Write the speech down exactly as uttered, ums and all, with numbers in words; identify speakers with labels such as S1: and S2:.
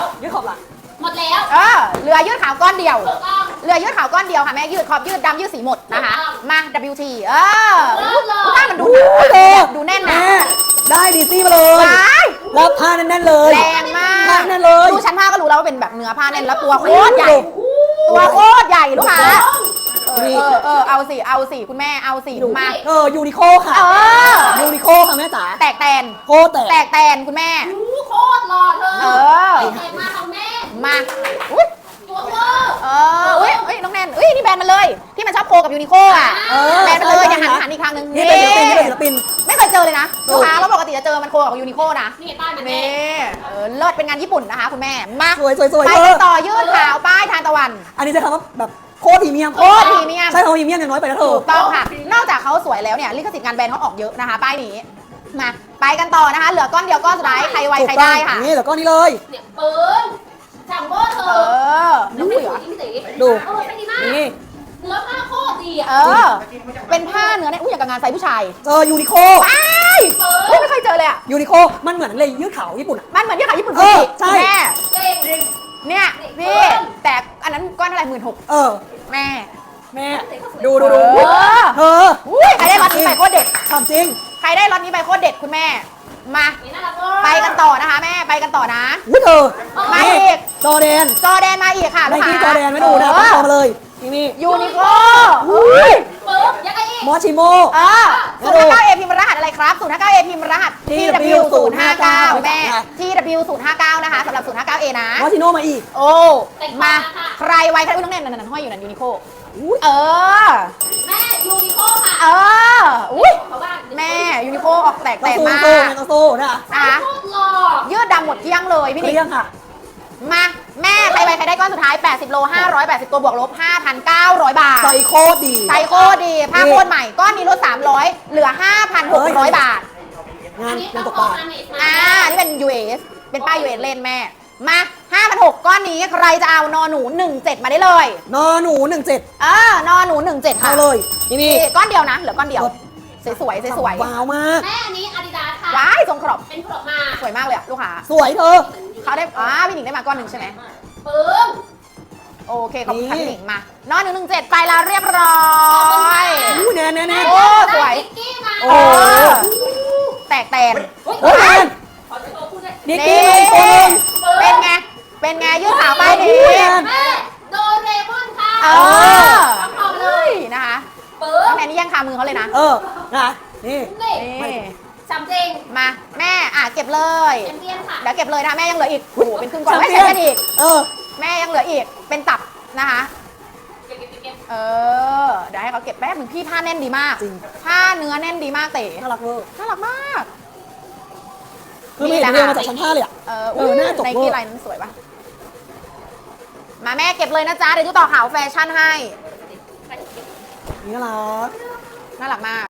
S1: ยืดขอบล่ะ
S2: หมดแล้ว
S3: เออเรือยืดขาวก้อนเดียว
S2: ถูกต้อง
S3: เรือยืดขาวก้อนเดียวค่ะแม่ยืดขอบยืดดำยืดสีหมดนะคะมา ดับเบิลยู ที เออผ้ามันดูหนาดูแน่นนะ
S1: ได้ดีซี่มาเลยแล้วผ้าแน่นๆเลย
S3: แรงมา
S1: ผ้าก แน่นเลย
S3: ดูชั้นผ้าก็รู้แล้วว่าเป็นแบบเนื้อผ้าแน่นแล้วตัวโคตรใหญ่ตัวโคตรใหญ่ลูกค้าเออเออเอาสิเอาสิคุณแม่เอาสิมา
S1: เออยูนิโคค่ะ
S3: เออ
S1: ยูนิโคค่ะแม่จ๋า
S3: แตกแตน
S1: โคแตก
S3: แตกแตนคุณแม่
S2: โคตรหล่อเธอ
S3: เออ
S2: แตกมาของแม่
S3: มาอุ้ย
S2: ตัวเวอร์
S3: เอออุ้ยอุ้ยน้องแนนอุ้ยนี่แบรนด์มันเลยที่มันชอบโคกับยูนิโคอ่ะแบรนด์มันเลยอย่าหันหันอีกครั้งนึง
S1: นี่เป็นศิลปินนี่เป็นศิลปิน
S3: ไม่เคยเจอเลยนะลูกค้าแล้วปกติจะเจอมันโคกับยูนิโคนะ
S2: นี่ป้ายมันแม่
S3: นี่เออเลิศเป็นงานญี่ปุ่นนะคะคุณแม่มา
S1: สวยสวยสวย
S3: ไปกันต่อยืดขาวป้ายทานตะวัน
S1: อันนี้ใช้คำว่าแบบโคตรพรีเมียม
S3: โคตรพรีเมียม
S1: ใช่คำว่าพรีเมียมอย่างน้อยไปนะเธอ
S3: ถูกต้องค่ะนอกจากเขาสวยแล้วเนี่ยลิขสิทธิ์งานแบรนด์เขาออกเยอะนะคะป้ายนี้มาไปกันต่อนะคะเหลือก้อนเดียวก้อนสุดท้ายใครไวใครได้ค่ะ
S1: นี่เหลือก้อนนี้เลย
S2: เนี่ยปืนจัมโบ้เธอ
S3: เออ
S2: น้องไม่สวยพี่ตีดูเออเป็นดีมาก
S1: นี่
S2: เนื้อผ้าโคตรดีอ่ะ
S3: เออเป็นผ้าเนื้อเนี่ยอุ้ยอย่างกับงานไซส์ผู้ชาย
S1: เจอยูนิโค
S3: ว้ายเฮ้ยไม่เคยเจอเลยอะ
S1: ยูนิโคมันเหมือนเลยยืดขาวญี่ปุ่น
S3: มันเหมือนยืดขาวญี่ปุ่น
S1: เออใช่
S3: แม่
S2: จริง
S3: เนี่ยพี่แต่อันนั้นก้อนเท่าไหร่หมื่นหก
S1: เออ
S3: แม่
S1: แม่ดูดูดู
S3: เออ
S1: เธอ
S3: ใครได้รถนี้ไปโคตรเด็ด
S1: ทำจริง
S3: ใครได้รถนี้ไปโคตรเด็ดคุณแม่มาไปกันต่อนะคะแม่ไปกันต่อนะ
S1: อุ้ยเธอ
S3: มาอีก
S1: จอแดน
S3: จอแดนมาอีกค่ะ
S1: ลูกค้าจอแดนไม่ดูนะต้องมาเลยนี่นี่
S3: ยูนิโคอุ้ย
S2: ปึ๊บยังไงอีก
S1: มอชิโม
S3: เออศูนย์ห้าเก้าเอพิมพ์รหัสอะไรครับศูนย์ห้าเก้าเอพิมพ์รหัส ที ดับเบิลยู ศูนย์ห้าเก้าแม่ ที ดับเบิลยู ศูนย์ห้าเก้านะคะสำหรับศูนย์ห้าเก้าเอนะ
S1: มอชิโนมาอีก
S3: โอ้มาใครไวใครอุ้ยน้องแนนนั่นห้อยอยู่นั่นยูนิโคเออ
S2: แม่ยูนิโคค่ะ
S3: เอออุ้ยแม่ยูนิโคออกแตกแตกมาก
S1: โซ่นะ
S3: นะคะยืดดำหมดเที่ยงเลยพี่นิก
S1: ค่ะ
S3: มาแม่ใครไวใครได้ก้อนสุดท้ายแปดสิบโลห้าร้อยแปดสิบตัวบวกลบ ห้าพันเก้าร้อย บาท
S1: ไซโคดี
S3: ไซโคดีผ้าโคตรใหม่ก้อนนี้ลดสามร้อยเหลือ ห้าพันหกร้อย บาท
S1: งานงานตกปลา
S3: อ่านี่เป็น ยู เอส เป็นป้าย ยู เอส เล่นแม่มา ห้าพันหกร้อย ก้อนนี้ใครจะเอานอหนูหนึ่งเจ็ดมาได้เลย
S1: นอหนูหนึ่งเจ็ด
S3: เออนอหนูหนึ่งเจ็ดค่ะ
S1: เอาเลยนี่นี่
S3: ก้อนเดียวนะเหลือก้อนเดียวสวยสวยสวย
S1: ว้าวมาก
S2: แม่อันนี้อาดิดาสค่ะ
S3: ว้ายทรงครอบ
S2: เป็นครอบมา
S3: สวยมากเลยอะลูกค้า
S1: สวยเธอ
S3: เขาได้อ่าพี่หนิงได้มาก้อนหนึ่งใช่ไหม
S2: ปึ้ง
S3: โอเคขอบคุณค่ะพี่หนิงมานอนหนึ่งหนึ่งเจ็ดไปแล้วเรียบร้อย
S1: อู้แน่แน่แน่
S3: โอ้สวย
S1: โอ้
S3: แตกแตน
S1: โอ้ยนิกกี้มาอีกคนนึง
S3: เป็นไงเป็นไงยืดขาไปดี
S2: แม่โดเรมอนค่ะ
S3: เออ
S2: ทำเลย
S3: นะคะ
S2: ปึ้ง
S3: แม่นี่ยังคามือเขาเลยนะ
S1: เออนะนี่
S2: นี่จำจริง
S3: มาแม่อ่ะเก็บเลย
S2: เอ็มเบียนค่ะ
S3: เดี๋ยวเก็บเลยนะแม่ยังเหลืออีกโอ้โหเป็นครึ่งก่อนไม่ใช่กันอีก
S1: เออ
S3: แม่ยังเหลืออีกเป็นตับนะคะ
S2: เก็บเก็บเก็บ
S3: เออเดี๋ยวให้เขาเก็บแป๊บนึงพี่ผ้าแน่นดีมาก
S1: จริง
S3: ผ้าเนื้อแน่นดีมากเต๋
S1: น่ารักเวอร์
S3: น่ารักมาก
S1: คือไม่เห็นเรียงมาจากชั้นห้าเลยอ่ะ
S3: เออเออหน้าจบเวอร์ในกีฬานั้นสวยปะมาแม่เก็บเลยนะจ๊ะเดี๋ยวจะต่อข่าวแฟชั่นให้
S1: นี่น่ารัก
S3: น่ารักมาก